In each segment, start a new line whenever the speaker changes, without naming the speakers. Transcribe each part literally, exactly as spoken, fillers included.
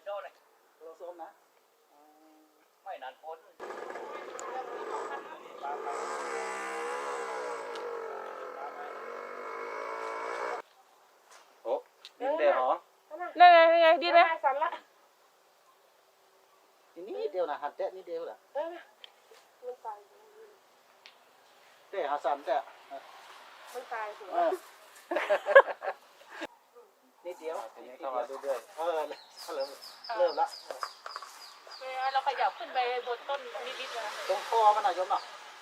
เจ้าเลยโลส้มนะไม่นานพ้นโอ้ดินเดียวเหรอ
นั่นไงนั่นไงดีไหมสั่นละ
นี่เดียวนะหัดแตะนี่เดียวเหรอ
เออมันตาย
เตะหาสั่นแตะ
มันตายสิ
นิดเดียวทีนี้เข้ามาเรื่อยๆเออเริ่มเริ่มละ
เราขยับขึ้นไปบนต้นนิดๆนะ
ตรงคอมันหน่อยโยมเนาะ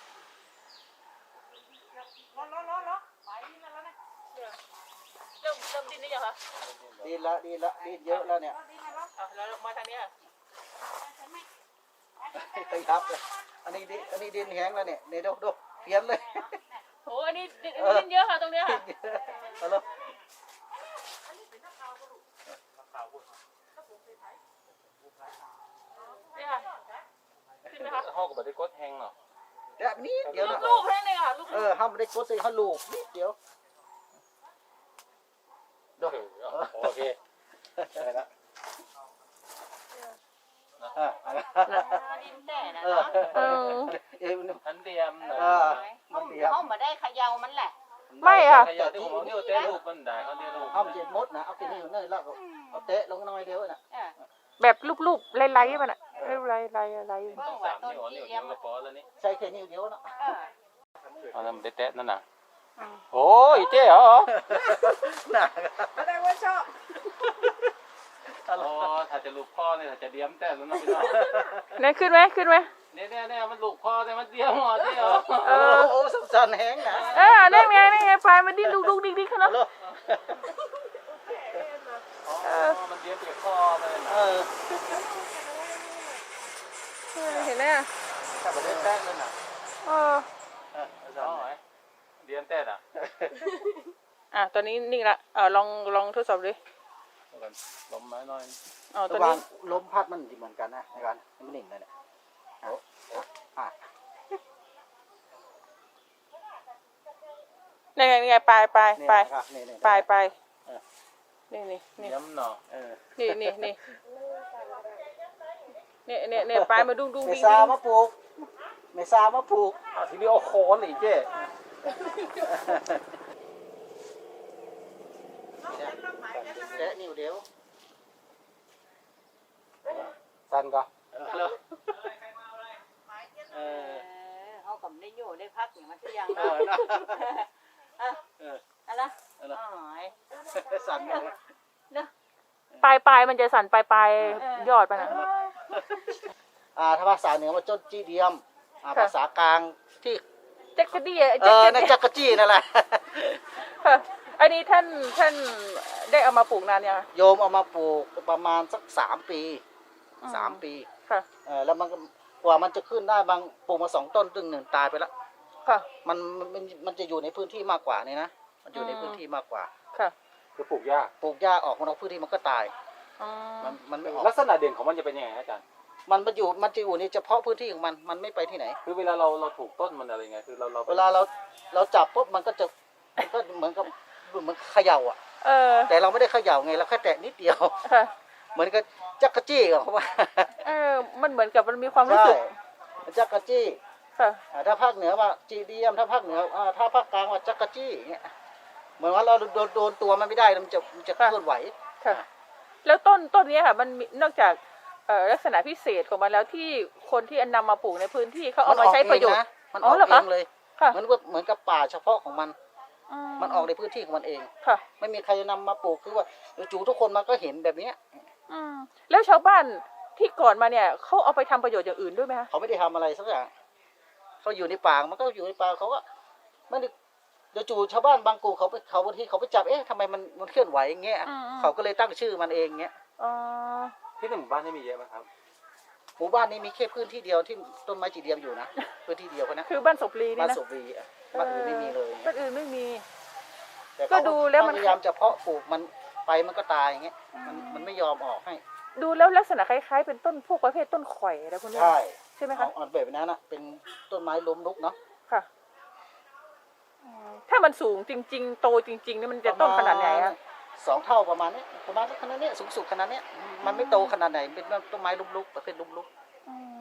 ล้อล้อล้อล้อไปดินแล้วนะเริ่มเริ่มดินได้ยังคะ
ดินละดินละดินเยอะแล้วเนี่ย
อ่ะแล้วมาทางนี้
ขยับเลยอันนี้ดิอันนี้ดินแห้งแล้วเนี่ยเนี่ยดูดูเพี้ยนเลย
โอ้อันนี้ดินเยอะค่ะตรงนี้ค่ะ
เอาเลย
นี่ค่ะขึ้นไหมคะ
ห้องกับบัตรกดแห้งเนาะ
แบบนี้เดี๋ยวนะ
ลูกแห้งเลยค่ะลูก
เออห้ามได้กดใส่ข้าวลูกนิดเดียว
ดูโอเคได้ละ
อ่า
ดินแต่นะ
เออ
เนาะ
เออ
เอ็ม
ทันเตรียมเนาะ
มันเดียว
เขามาได้เขย่ามันแหละ
ไม่อ่ะ
ขยันที่ผมเอาเนี่ยเตะลูกมันได้เขาเตะลูก
ห้ามเจ็บมดนะเอากินนี่อยู่เนยแล้วเอาเตะลงน้อยเดียวนะ
แบบรูปๆไล่ๆมันอ่ะไล่ๆไล่ๆไล่ๆ
ต้องสามนิ้วนิ้วเดียวก็พอแล้วนี่
ใช้แค่นิ้วเดียวนะ
เอาทำเตะนั่นน่ะโอ้ยเจ๊เหรอ
หนัก
แสดงว่าชอบ
โอ้ถ้าจะลูกพ่อเนี่ยถ้าจะเดียมแต่แล้วน้องพี่น้อง
เนี่ยขึ้นไหมขึ้นไหม
เนี่ยเนี่ยเนี่ยมันลูกพ่อแต่มันเดียมหัวเจ๊เหรอ
เออโอ้สงสารแห้งนะ
เออได้ไงได้ไงปลายมันดิ้นดุกดุกดิ๊กดิ๊กขนาด
อ๋อมันเดียมเปียกพ่อเลย
เ
นะ
ออ
เห็นไหมอ่ะ
ถ้าไม่ได้แป้งเลยนะ
เออ
เออเดียมแต่น่ะ
อ่ะตอนนี้นิ่งละเออลองลองทดสอบดิ
ลมไม้น้อย
อ๋อตอนนี้
ลมพัดมันเหมือนกันนะในการมันหนิ่งเลยเนี่ยโอ้อ่ะ
นี่ไงนี่ไงปลายปลายปลายปลายปลายนี่นี่นี่
ย้ำเนาะ
นี่นี่นี่เนี่ยเนี่ยเนี่ยปลายมาดุ้งดุ้ง
เม
ดิ้ง
ซา
ดิ้ง
มาปลูกเมซามาปลูก
อ่ะทีนี้เอาโคนอีกเจ๊
แกะนิ้วเดียว
สั้นก็
เออเขาก็ได้อยู่ได้พักอย่างมันทุกอย่าง
เอ
เนาะ
อเออ
อะไร
อะไร
อ๋อ
สั่นเลย
ปลายปลายมันจะสั่นปลายปลายยอดไปนะ
อ่าถ้าภาษาเหนือมันจดจีเดียมอ่าภาษากลางที่
จักรจี้
เออนั่นจักรจี้นั่นแหละ
อันนี้ท่านท่านได้เอามาปลูกนานยัง
โยมเอามาปลูกประมาณสักสามปีสามปี
ค่ะ
เออแล้วมันกว่ามันจะขึ้นได้บางปลูกมาสองต้นตึงหนึ่งตายไปแล้ว
ค่ะ
มันมันมันจะอยู่ในพื้นที่มากกว่านี่นะมันอยู่ในพื้นที่มากกว่า
ค่ะ
คือปลูกหญ้า
ปลูกหญ้าออกมานอกพื้นที่มันก็ตาย
มัน
มันไม่ออก
ลักษณะเด่นของมันจะเป็นยังไงอาจารย์
มันมาอยู่มันจะอยู่ในเฉพาะพื้นที่ของมันมันไม่ไปที่ไหน
คือเวลาเราเราถูกต้นมันอะไรไงคือเราเรา
เวลาเราเราจับปุ๊บมันก็จะมันก็เหมือนกับเหมือนเขย่าอ่ะ
เออ
แต่เราไม่ได้เขย่าไงเราแค่แตะนิดเดียวเหมือนกับจักรจี้กับเขาว่า
เออมันเหมือนกับมันมีความรู้สึก
จักรจี้
ค่ะ
ถ้าภาคเหนือว่าจีเดียมถ้าภาคเหนือถ้าภาคกลางว่าจักรจี้อย่างเงี้ยเหมือนว่าเราโดนโดนตัวมันไม่ได้มันจะมันจะเคลื่อนไหว
ค่ะแล้วต้นต้นนี้ค่ะมันนอกจากลักษณะพิเศษของมันแล้วที่คนที่นำมาปลูกในพื้นที่เขาเอามาใช้ประโยชน์
มันออกเองเลยเหมือนเหมือนกับป่าเฉพาะของมัน
มั
นออกในพื้นที่ของมันเอง
ค่ะ
ไม่มีใครนำมาปลูกคือว่าจู่ทุกคนมาก็เห็นแบบนี้
อืมแล้วชาวบ้านที่ก่อนมาเนี่ยเขาเอาไปทำประโยชน์อย่างอื่นด้วยไหมคะ
เขาไม่ได้ทำอะไรสักอย่างเขาอยู่ในป่ามันก็อยู่ในป่าเขาก็ไม่ได้เดี๋ยวจู่ชาวบ้านบางกลุ่มเขาไปเขาบางทีเขาไปจับเอ๊ะทำไมมันมันเคลื่อนไหวอย่างเงี้ยเขาก็เลยตั้งชื่อมันเองเงี้ย
อ๋อ
ที่ในหมู่บ้านนี่มีเยอะไหมครับ
หมู่บ้านนี้มีแค่พื้นที่เดียวที่ต้นไม้จีเดียมอยู่นะพื้นที่เดียวนะ
คือบ้านศพลีนี่นะ
บ้านศพลีบ้านอื่นไม่มีเลย
บ้านอื่นไม่มี
ก็ดูแล้วมันพยายามจะเพาะปลูกมันไปมันก็ตายอย่างเงี้ยมันมันไม่ยอมออกให้
ดูแล้วลักษณะคล้ายๆเป็นต้นพวกประเภทต้นข่อยอะไรพวกนี้
ใช่
ใช่ไหมคะ
อ่อนแบบนั้นนะเป็นต้นไม้ล้มลุกเนาะ
ค่ะถ้ามันสูงจริงๆโตจริงๆนี่มันจะต้นขนาดไหนอะ
สองเท่าประมาณเนี้ยประมาณขนาดเนี้ยสูงสุดขนาดเนี้ยมันไม่โตขนาดไหนเป็นต้นไม้ลุกๆประเภทลุกๆ